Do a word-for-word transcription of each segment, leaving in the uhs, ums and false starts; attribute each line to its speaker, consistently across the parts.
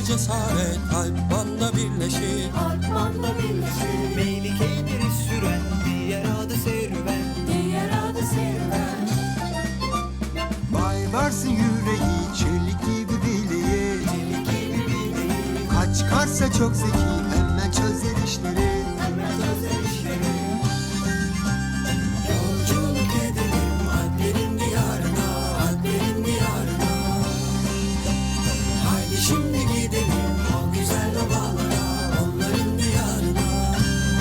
Speaker 1: cesaret Alpman'la birleşir.
Speaker 2: Alpman'la birleşir.
Speaker 3: Melike'yi biri süren, diğer adı serüven.
Speaker 2: Diğer adı serüven.
Speaker 4: Vay varsın yüreği, çelik gibi bileği.
Speaker 3: Çelik gibi bileği,
Speaker 4: Kaç karsa çok zeki, hemen çözer işleri.
Speaker 3: hemen çözer işleri.
Speaker 1: Yolculuk edelim Alplerin diyarına, Alplerin diyarına. Haydi şimdi gidelim o güzel ovalara, onların diyarına.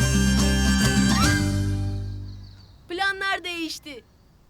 Speaker 5: Planlar değişti.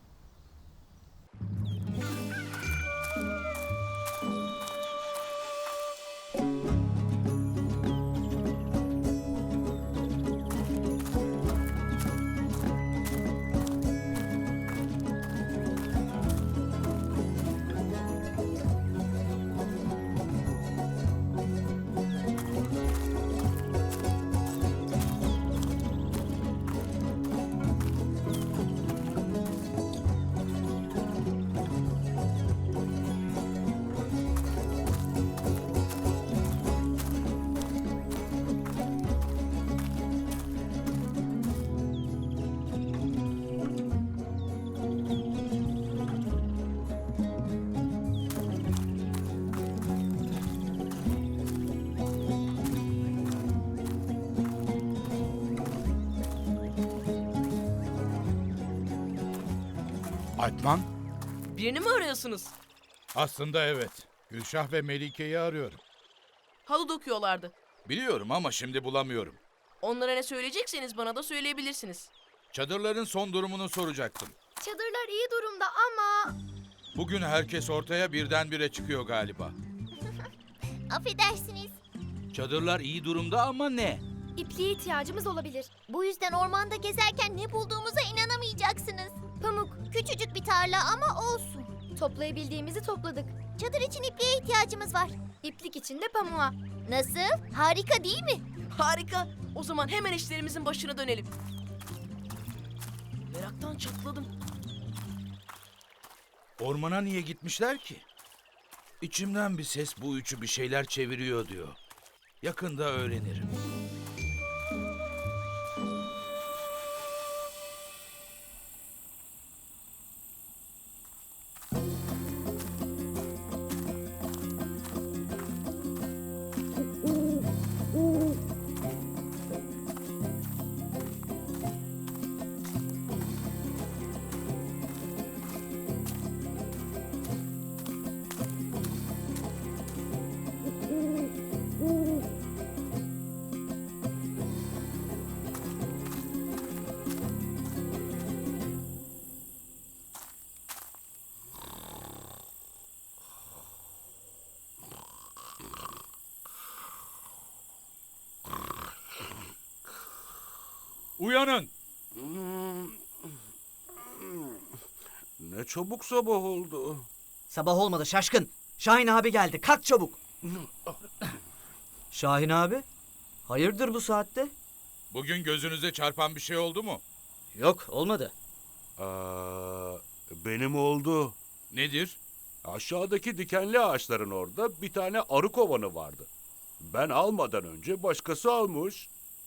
Speaker 6: Alpman?
Speaker 5: Birini mi arıyorsunuz?
Speaker 6: Aslında evet. Gülşah ve Melike'yi arıyorum.
Speaker 5: Halı dokuyorlardı.
Speaker 6: Biliyorum ama şimdi bulamıyorum.
Speaker 5: Onlara ne söyleyecekseniz bana da söyleyebilirsiniz.
Speaker 6: Çadırların son durumunu soracaktım.
Speaker 7: Çadırlar iyi durumda ama...
Speaker 6: Bugün herkes ortaya birdenbire çıkıyor galiba.
Speaker 7: Affedersiniz.
Speaker 6: Çadırlar iyi durumda ama ne?
Speaker 7: İpliğe ihtiyacımız olabilir. Bu yüzden ormanda gezerken ne bulduğumuza inanamayacaksınız. Pamuk, küçücük bir tarla ama olsun. Toplayabildiğimizi topladık. Çadır için ipliğe ihtiyacımız var. İplik için de pamuğa. Nasıl? Harika değil mi?
Speaker 5: Harika. O zaman hemen işlerimizin başına dönelim. Meraktan çatladım.
Speaker 6: Ormana niye gitmişler ki? İçimden bir ses bu üçü bir şeyler çeviriyor diyor. Yakında öğrenirim. Uyanın!
Speaker 8: Ne çabuk sabah oldu.
Speaker 3: Sabah olmadı şaşkın. Şahin abi geldi. Kalk çabuk. Şahin abi? Hayırdır bu saatte?
Speaker 6: Bugün gözünüze çarpan bir şey oldu mu?
Speaker 3: Yok olmadı.
Speaker 8: Aa, benim oldu.
Speaker 6: Nedir?
Speaker 8: Aşağıdaki dikenli ağaçların orada bir tane arı kovanı vardı. Ben almadan önce başkası almış.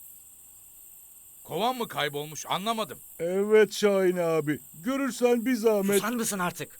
Speaker 6: Kovan mı kaybolmuş anlamadım.
Speaker 8: Evet Şahin abi. Görürsen bir zahmet.
Speaker 3: Susar mısın artık?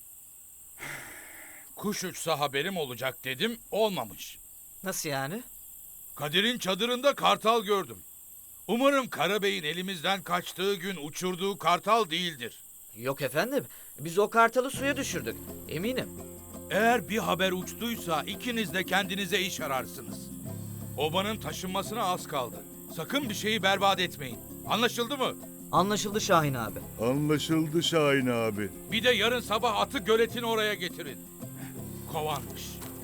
Speaker 6: Kuş uçsa haberim olacak dedim, olmamış.
Speaker 3: Nasıl yani?
Speaker 6: Kadir'in çadırında kartal gördüm. Umarım Karabey'in elimizden kaçtığı gün uçurduğu kartal değildir.
Speaker 3: Yok efendim. Biz o kartalı suya düşürdük. Eminim.
Speaker 6: Eğer bir haber uçtuysa ikiniz de kendinize iş ararsınız. Obanın taşınmasına az kaldı. Sakın bir şeyi berbat etmeyin. Anlaşıldı mı?
Speaker 3: Anlaşıldı Şahin abi.
Speaker 8: Anlaşıldı Şahin abi.
Speaker 6: Bir de yarın sabah atı göletin oraya getirin. Kovanmış.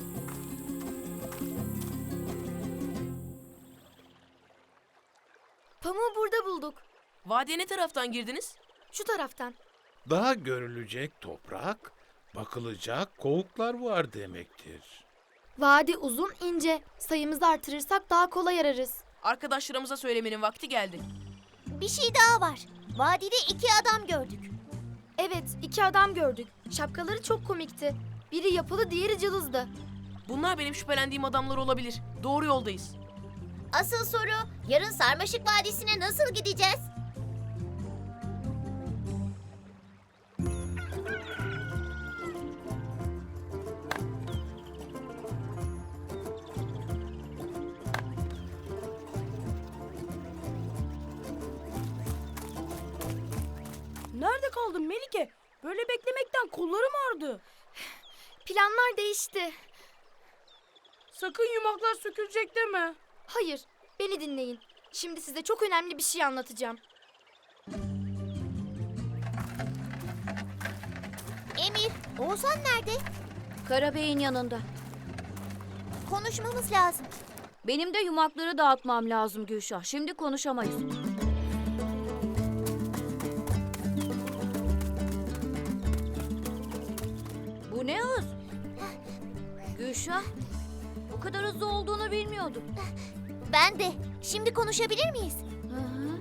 Speaker 7: Pamuğu burada bulduk.
Speaker 5: Vadiye ne taraftan girdiniz?
Speaker 7: Şu taraftan.
Speaker 9: Daha görülecek toprak, bakılacak kovuklar var demektir.
Speaker 7: Vadi uzun, ince. Sayımızı artırırsak daha kolay ararız.
Speaker 5: Arkadaşlarımıza söylemenin vakti geldi.
Speaker 7: Bir şey daha var. Vadide iki adam gördük. Evet, iki adam gördük. Şapkaları çok komikti. Biri yapılı, diğeri cılızdı.
Speaker 5: Bunlar benim şüphelendiğim adamlar olabilir. Doğru yoldayız.
Speaker 7: Asıl soru, yarın Sarmaşık Vadisi'ne nasıl gideceğiz?
Speaker 2: Nerede kaldın Melike? Böyle beklemekten kollarım ağrıdı.
Speaker 7: Planlar değişti.
Speaker 2: Sakın yumaklar sökülecek deme.
Speaker 7: Hayır, beni dinleyin. Şimdi size çok önemli bir şey anlatacağım. Emir, Oğuzhan nerede?
Speaker 10: Karabey'in yanında.
Speaker 7: Konuşmamız lazım.
Speaker 10: Benim de yumakları dağıtmam lazım Gülşah. Şimdi konuşamayız. Bu ne hız? Gülşah, bu kadar hızlı olduğunu bilmiyordum.
Speaker 7: Ben de. Şimdi konuşabilir miyiz?
Speaker 10: Hı hı.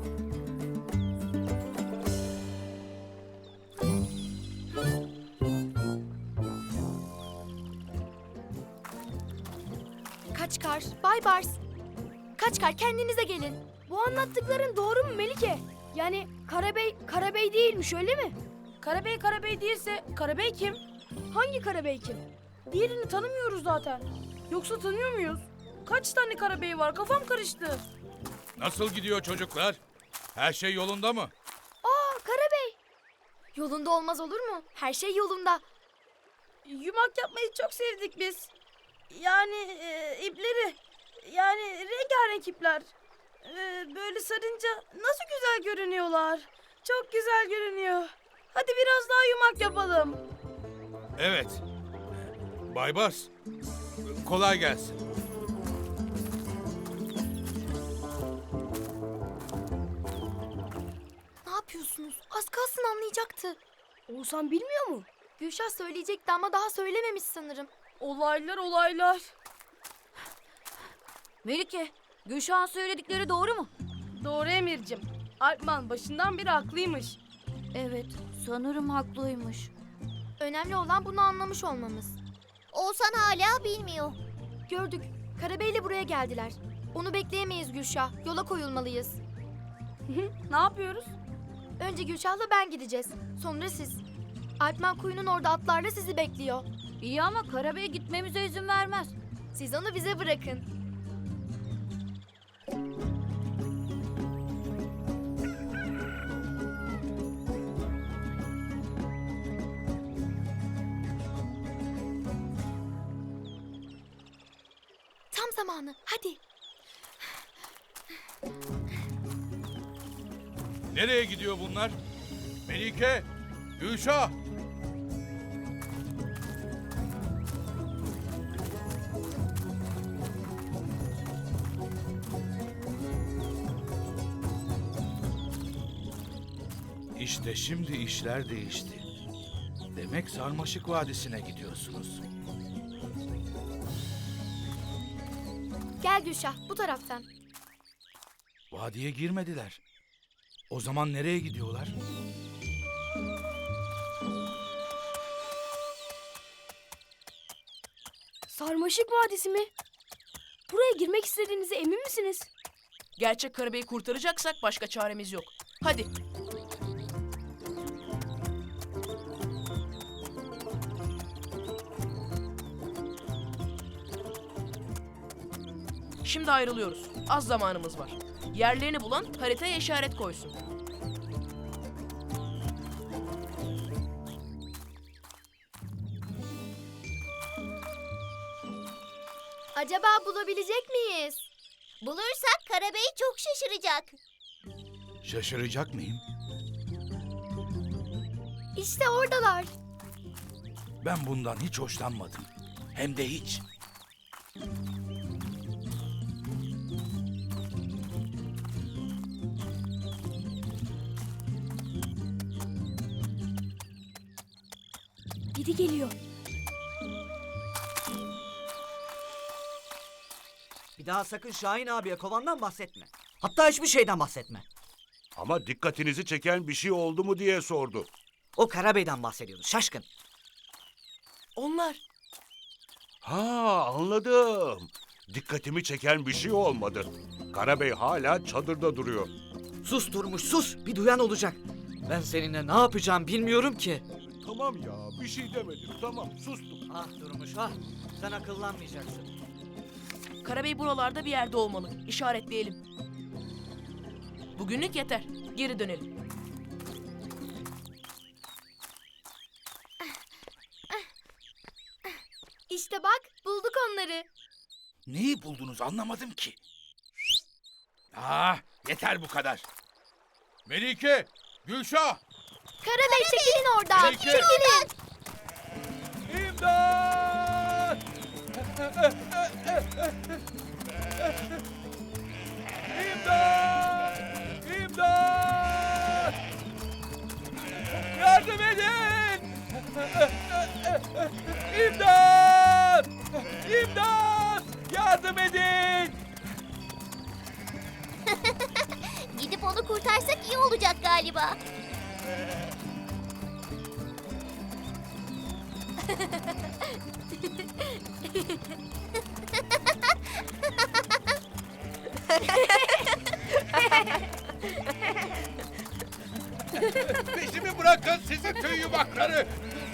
Speaker 7: Kaçkar, Bay Bars. Kaçkar, kendinize gelin.
Speaker 2: Bu anlattıkların doğru mu Melike? Yani Karabey, Karabey değilmiş öyle mi? Karabey Karabey değilse Karabey kim? Hangi Karabey kim? Diğerini tanımıyoruz zaten. Yoksa tanıyor muyuz? Kaç tane Karabey var? Kafam karıştı.
Speaker 6: Nasıl gidiyor çocuklar? Her şey yolunda mı?
Speaker 2: Aa Karabey.
Speaker 7: Yolunda olmaz olur mu? Her şey yolunda.
Speaker 2: Yumak yapmayı çok sevdik biz. Yani e, ipleri. Yani rengarenk ipler. E, böyle sarınca nasıl güzel görünüyorlar. Çok güzel görünüyor. Hadi biraz daha yumak yapalım.
Speaker 6: Evet. Baybars, kolay gelsin.
Speaker 7: Ne yapıyorsunuz? Az kalsın anlayacaktı.
Speaker 2: Oğuzhan bilmiyor mu?
Speaker 7: Gülşah söyleyecekti ama daha söylememiş sanırım.
Speaker 2: Olaylar olaylar.
Speaker 10: Melike, Gülşah'ın söyledikleri doğru mu?
Speaker 2: Doğru Emir'cim. Alpman başından beri haklıymış.
Speaker 10: Evet, sanırım haklıymış.
Speaker 7: Önemli olan bunu anlamış olmamız. Oğuzhan hala bilmiyor. Gördük. Karabey'le buraya geldiler. Onu bekleyemeyiz Gülşah. Yola koyulmalıyız.
Speaker 2: Ne yapıyoruz?
Speaker 7: Önce Gülşah'la ben gideceğiz. Sonra siz. Alpman kuyunun orada atlarla sizi bekliyor.
Speaker 10: İyi ama Karabey gitmemize izin vermez.
Speaker 7: Siz onu bize bırakın. Tam zamanı. Hadi.
Speaker 6: Nereye gidiyor bunlar? Melike, Gülşah. İşte şimdi işler değişti. Demek Sarmaşık Vadisi'ne gidiyorsunuz.
Speaker 7: Gel Gülşah bu taraftan.
Speaker 6: Vadiye girmediler. O zaman nereye gidiyorlar?
Speaker 2: Sarmaşık Vadisi mi? Buraya girmek istediğinize emin misiniz?
Speaker 5: Gerçek Karabey'i kurtaracaksak başka çaremiz yok. Hadi. Şimdi ayrılıyoruz. Az zamanımız var. Yerlerini bulan haritaya işaret koysun.
Speaker 7: Acaba bulabilecek miyiz? Bulursak Karabey çok şaşıracak.
Speaker 6: Şaşıracak mıyım?
Speaker 7: İşte oradalar.
Speaker 6: Ben bundan hiç hoşlanmadım. Hem de hiç.
Speaker 2: Biri geliyor.
Speaker 3: Bir daha sakın Şahin abiye kovandan bahsetme. Hatta hiçbir şeyden bahsetme.
Speaker 8: Ama dikkatinizi çeken bir şey oldu mu diye sordu.
Speaker 3: O Karabey'den bahsediyordu şaşkın.
Speaker 5: Onlar.
Speaker 8: Ha, anladım. Dikkatimi çeken bir şey olmadı. Karabey hala çadırda duruyor.
Speaker 3: Sus Durmuş sus. Bir duyan olacak. Ben seninle ne yapacağım bilmiyorum ki.
Speaker 8: Tamam ya, bir şey demedim. Tamam, sustum.
Speaker 3: Ah Durmuş ah. Sen akıllanmayacaksın.
Speaker 5: Karabey buralarda bir yerde olmalı. İşaretleyelim. Bugünlük yeter. Geri dönelim.
Speaker 7: İşte bak, bulduk onları.
Speaker 6: Neyi buldunuz anlamadım ki. Ah, yeter bu kadar. Melike, Gülşah,
Speaker 7: Karabey çekilin oradan.
Speaker 6: Melike.
Speaker 7: Çekilin.
Speaker 6: İmdat! İmdat! İmdat! Yardım edin! İmdat! İmdat! Yardım edin!
Speaker 7: Gidip onu kurtarsak iyi olacak galiba.
Speaker 6: Peşimi bırakın sizin tüy yumakları!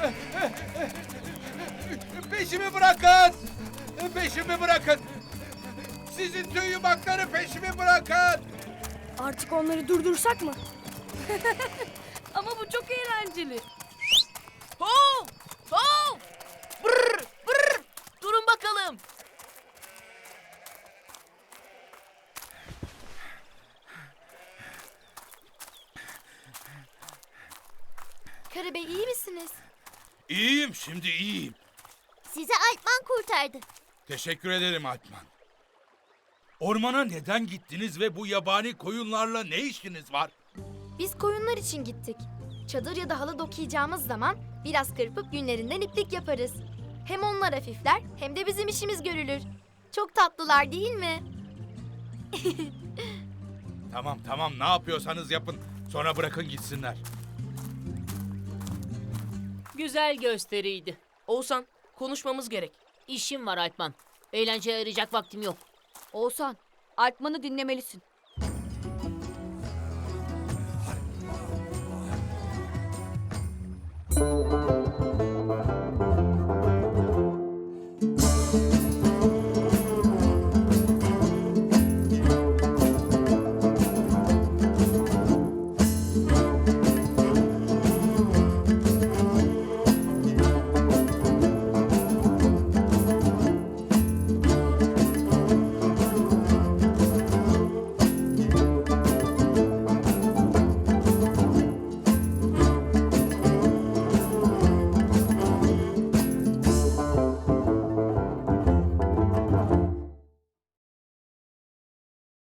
Speaker 6: Peşimi bırakın! Peşimi bırakın! Sizin tüy yumakları peşimi bırakın!
Speaker 2: Artık onları durdursak mı? Ama bu çok eğlenceli.
Speaker 5: Hov! Hov! Brr! Brr! Durun bakalım.
Speaker 7: Karabey iyi misiniz?
Speaker 6: İyiyim şimdi iyiyim.
Speaker 7: Sizi Alpman kurtardı.
Speaker 6: Teşekkür ederim Alpman. Ormana neden gittiniz ve bu yabani koyunlarla ne işiniz var?
Speaker 7: Biz koyunlar için gittik. Çadır ya da halı dokuyacağımız zaman biraz kırpıp günlerinden iplik yaparız. Hem onlar hafifler hem de bizim işimiz görülür. Çok tatlılar değil mi?
Speaker 6: Tamam tamam ne yapıyorsanız yapın. Sonra bırakın gitsinler.
Speaker 10: Güzel gösteriydi.
Speaker 5: Oğuzhan, konuşmamız gerek.
Speaker 10: İşim var Alpman. Eğlenceye ayıracak vaktim yok. Oğuzhan, Alpman'ı dinlemelisin.